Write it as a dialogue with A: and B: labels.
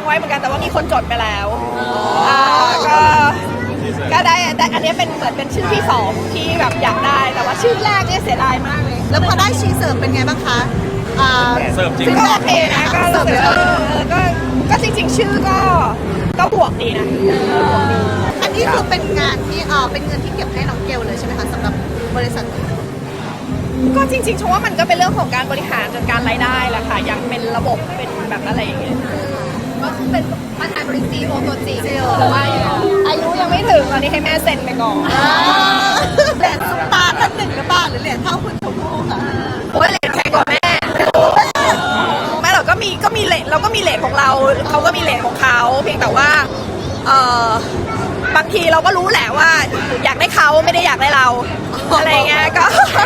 A: ไว้เหมือนกันแต่ว่ามีคนจดไปแล้วก็ได้อันนี้เป็นเหมือนเป็นชื่อที่สองที่แบบอยากได้แต่ว่าชื่อแรกเนี่ยเสียดายมากเลย
B: แล้วพอได้ชีเสิร์ฟเป็นไงบ้างคะ
C: เสิร์ฟจริง
A: ก็โอเคนะก็เสิร์ฟก็จริงๆชื่อก็บวกดีนะ
B: อันนี้คือเป็นงานที่เป็นเงินที่เก็บให้น้องเกลเลยใช่ไหมคะสำหรับบริษัท
A: ก็จริงๆชมว่ามันก็เป็นเรื่องของการบริหารจัดการรายได้แหละค่ะยังเป็นระบบเป็นแบบอะไรอย่างเงี้ย
B: ก็คือเป็นประธานบริษัทซีโอตัวจริง
A: แต่ว่าอายุยังไม่ถึงตอนนี้ให้แม่เซ็นไปก่อน
B: เหรียญซุปตาท่านหนึ่งหรือเปล่าหรือเหรียญเท่าคุณชมพู่ค่ะ
A: โอ้ยเหรียญแพงกว่าแม่เราก็มีเหรียญเราก็มีเหรียญของเราเขาก็มีเหรียญของเขาเพียงแต่ว่าบางทีเราก็รู้แหละว่าอยากได้เขาไม่ได้อยากได้เราอะไรเงี้ยก็